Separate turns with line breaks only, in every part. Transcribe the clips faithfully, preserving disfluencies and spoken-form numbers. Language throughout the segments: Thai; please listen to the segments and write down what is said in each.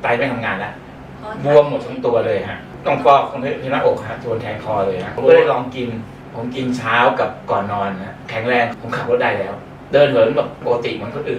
ไตไม่ทำงานแล้วบวมหมดทั้งตัวเลยฮะต้องฟอกตรงที่หน้าอกฮะโดนแทงคอเลยฮะผมก็เลยลองกินผมกินเช้ากับก่อนนอนนะแข็งแรงผมขับรถได้แล้วเดินเหินแบบปกติเหมือนคนอื่น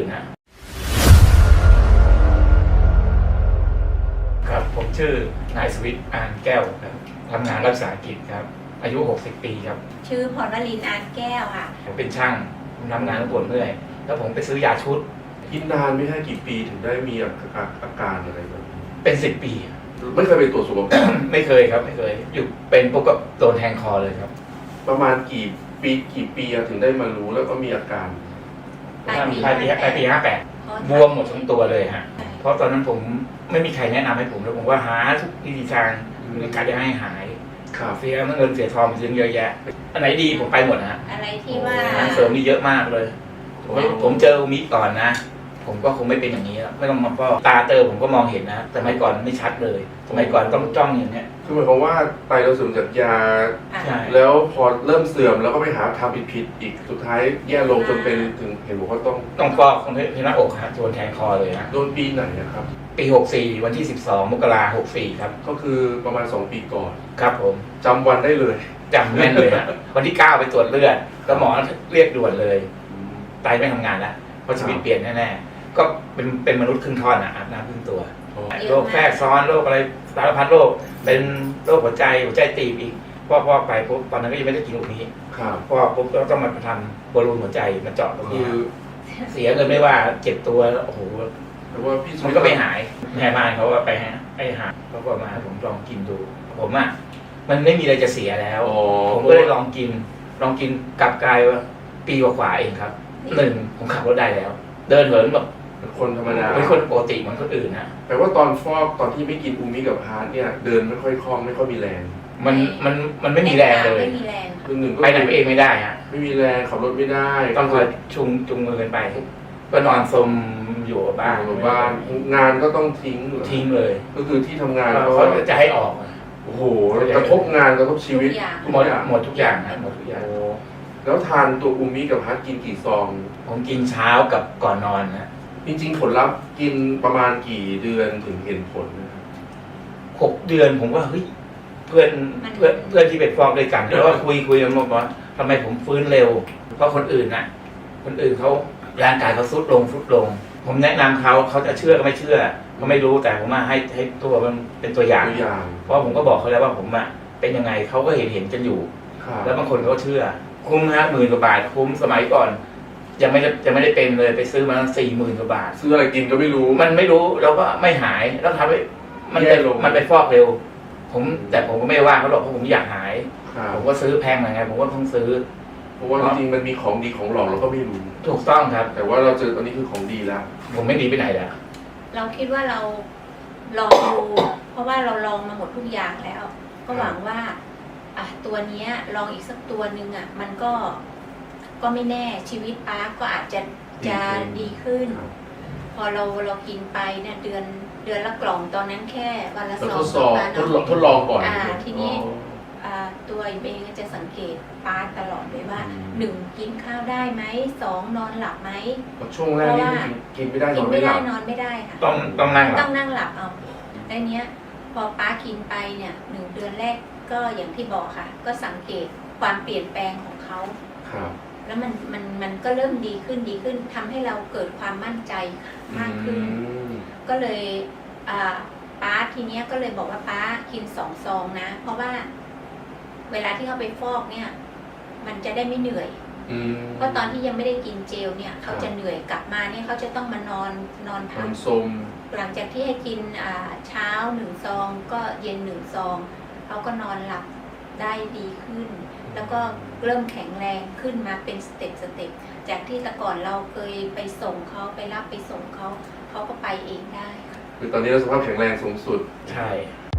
นะครับผมชื่อนายสวิทย์อานแก้วครับทำงานรักษากิจครับอายุหกสิบปีครับ
ชื่อพรวลินอานแก้วค่ะ
ผมเป็นช่างผมทำงานปวดเมื่อยแล้วผมไปซื้อยาชุด
กินนานไม่ใช่กี่ปีถึงได้มีอาการอะไรแบบนี้
เป็นสิบปี
ไม่เคยไปตรวจสุขภาพ
ไม่เคยครับไม่เคยอยู่เป็นพวกกับโดนแทงคอเลยครับ
ประมาณกี่ปีกี่ปีถึงได้มารู้แล้วก็มีอาการ
ปลายปีปลายปีปลายปีห้าแปดบวมหมดทั้งตัวเลยฮะเพราะตอนนั้นผมไม่มีใครแนะนำให้ผมแล้วผมว่าหาทุกวิธีทางในการจะให้หายเสียเงินเสียทองเสียเยอะแยะอันไหนดีผมไปหมดนะฮะ
อะไรที่ว่า
เสริมนี่เยอะมากเลยผมเจออุมิก่อนนะผมก็คงไม่เป็นอย่างนี้แล้วไม่ต้องมาป้อตาเตอผมก็มองเห็นนะแต่สมัยก่อนไม่ชัดเลยสมัยก่อนต้องจ้องอย่างเนี้ย
คือหมายความว่าไตเราเสื่อมจากยาแล้วพอเริ่มเสื่อมแล้วก็ไปหาทำผิดๆอีกสุดท้ายแย่ลงจนเป็นถึงเห็นบอกว่าต้อง
ต้องฟอกตรงที่หน้าอกฮะโดนแทงคอเลยนะ
โดนปีไหนครับ
ปีหกสี่วันที่สิบสองมกราคมหกสี่ครับ
ก็คือประมาณสองปีก่อน
ครับผม
จำวันได้เลย
จำแม่นเลยฮะวันที่เก้าไปตรวจเลือดแล้วหมอเรียกด่วนเลยไตไม่ทำงานแล้วเพราะชีวิตเปลี่ยนแน่ๆก็เป็นเป็นมนุษย์ครึ่งท่อนอ่ะอาบน้ำครึ่งตัวโรคแทรกซ้อนโรคอะไรสารพัดโรคเป็นโรคหัวใจหัวใจตีบอีกพอพอไปปุ๊บตอนนั้นก็ยังไม่ได้กินตรงนี้พอปุ๊บก็ต้องมาทำบอลลูนหัวใจมาเจาะตรงนี้เสียเงินไม่ว่าเจ็บตัวโอ้โห
แต่ว่าพี่
มันก็ไม่หายแม่บ้านเขาก็ไปฮะไปหาเขาก็มาผมลองกินดูผมอ่ะมันไม่มีอะไรจะเสียแล้วผมก็เลยลองกินลองกินกลับกลายว่าปีกว่าๆเองครับหนึ่งผมขับรถได้แล้วเดินเหินแบบ
คนธรรมดา
เป็นคนปกติเหมือนคนอื่นนะ
แต่ว่าตอนฟอกตอนที่ไม่กินอูมิกับฮาร์ดเนี่ยเดินไม่ค่อยคล่องไม่ค่อยมีแรง
มันมันมันไม่มีแรงเลย
คือหนึ่ง
ไปไหนเองไม่ได้ฮะ
ไม่มีแรงขับรถไม่ได้
ต้องคอยชุงจุงมือกันไปก็นอนสมอยู่บ้าน
อยู่บ้านงานก็ต้องทิ้ง
ทิ้งเลย
ก็คือที่ทำงาน
เขาจะให้ออก
โอ้โหกระทบงานกระทบชีวิต
หมดหมดทุกอย่างนะหมดทุกอย่าง
แล้วทานตัวอูมิกับฮาร์ดกินกี่ซอง
ผมกินเช้ากับก่อนนอนนะ
จริงๆผลลัพธ์กินประมาณกี่เดือนถึงเห็นผลนะครับ
หกเดือนผมว่าเฮ้ยเพื่อนเพื่อนเพื่อนที่เป็นฟอกด้วยกันแล้วก็คุยคุยกันบอกว่าทำไมผมฟื้นเร็วเพราะคนอื่นน่ะคนอื่นเขาร่างกายเขาซุดลงซุดลงผมแนะนำเขาเขาจะเชื่อก็ไม่เชื่อเขาไม่รู้แต่ผมมาให้ให้ตัวมันเป็นตัวอย่างเพราะผมก็บอกเขาแล้วว่าผมอ่ะเป็นยังไงเขาก็เห็นเห็นกันอยู่แล้วบางคนเขาเชื่อคุ้มฮะหมื่นกว่าบาทคุ้มสมัยก่อนยังไม่ได้ยังไม่ได้เป็นเลยไปซื้อมาสี่หมื่นกว่าบาท
ซื้ออะไรกินก็ไม่รู้
มันไม่รู้แล้วก็ไม่หายแล้วทำให้มันไปมันไปฟอกเร็วผมแต่ผมก็ไม่ว่าเขาหรอกเพราะผมอยากหายผมก็ซื้อแพงหน่อยไงผมก็ต้องซื้อ
เพราะว่าจริงๆมันมีของดีของหลอกเราก็ไม่รู้
ถูกต้องครับ
แต่ว่าเราเจอตอนนี้คือของดีแล้ว
ผมไม่ดีไปไหนแล้ว
เราคิดว่าเราลองดูเพราะว่าเราลองมาหมดทุกอย่างแล้วก็หวังว่าอ่ะตัวนี้ลองอีกสักตัวหนึ่งอ่ะมันก็ก็ไม่แน่ชีวิตป้าก็อาจจะจะดีขึ้นพอเราเรากินไปเนี่ยเดือนเดือนละกล่องตอนนั้นแค่วันละสอง
ทดลองทดลองก่อน
อ่าทีนี้ตัวเองจะสังเกตป้าตลอดเลยว่าหนึ่งกินข้าวได้ไหมสองนอนหลับไหม
ช่วงแรกนี่กินไม่ได้นอนไม่ได้
นอนไม่ได้ค่ะ
ต้องต้องนั่งหลับ
ต้องนั่งหลับเอาแล้วเนี้ยพอป้ากินไปเนี่ยหนึ่งเดือนแรกก็อย่างที่บอกค่ะก็สังเกตความเปลี่ยนแปลงของเขาแล้วมันมันมันก็เริ่มดีขึ้นดีขึ้นทำให้เราเกิดความมั่นใจมากขึ้นก็เลยป้าทีเนี้ยก็เลยบอกว่าป้ากินสองซองนะเพราะว่าเวลาที่เขาไปฟอกเนี่ยมันจะได้ไม่เหนื่อยเพราะตอนที่ยังไม่ได้กินเจลเนี่ยเขาจะเหนื่อยกลับมาเนี่ยเขาจะต้องมานอนนอนพักหลังจากที่ให้กินเช้าหนึ่งซองก็เย็นหนึ่งซองเขาก็นอนหลับได้ดีขึ้นแล้วก็เริ่มแข็งแรงขึ้นมาเป็นสเต็ปสเต็ปจากที่แต่ก่อนเราเคยไปส่งเขาไปรับไปส่งเขาเขาก็ไปเองได้
คือตอนนี้เราสภาพแข็งแรงสูงสุด
ใช่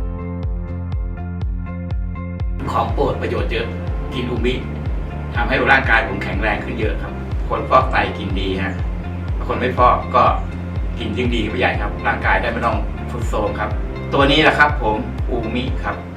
ของโปรดประโยชน์เยอะกินอูมิทำให้ร่างกายผมแข็งแรงขึ้นเยอะครับคนฟอกไตกินดีฮะคนไม่ฟอกก็กินยิ่งดีไปใหญ่ครับร่างกายได้ไม่ต้องทรุดโทรมครับตัวนี้แหละครับผมอูมิครับ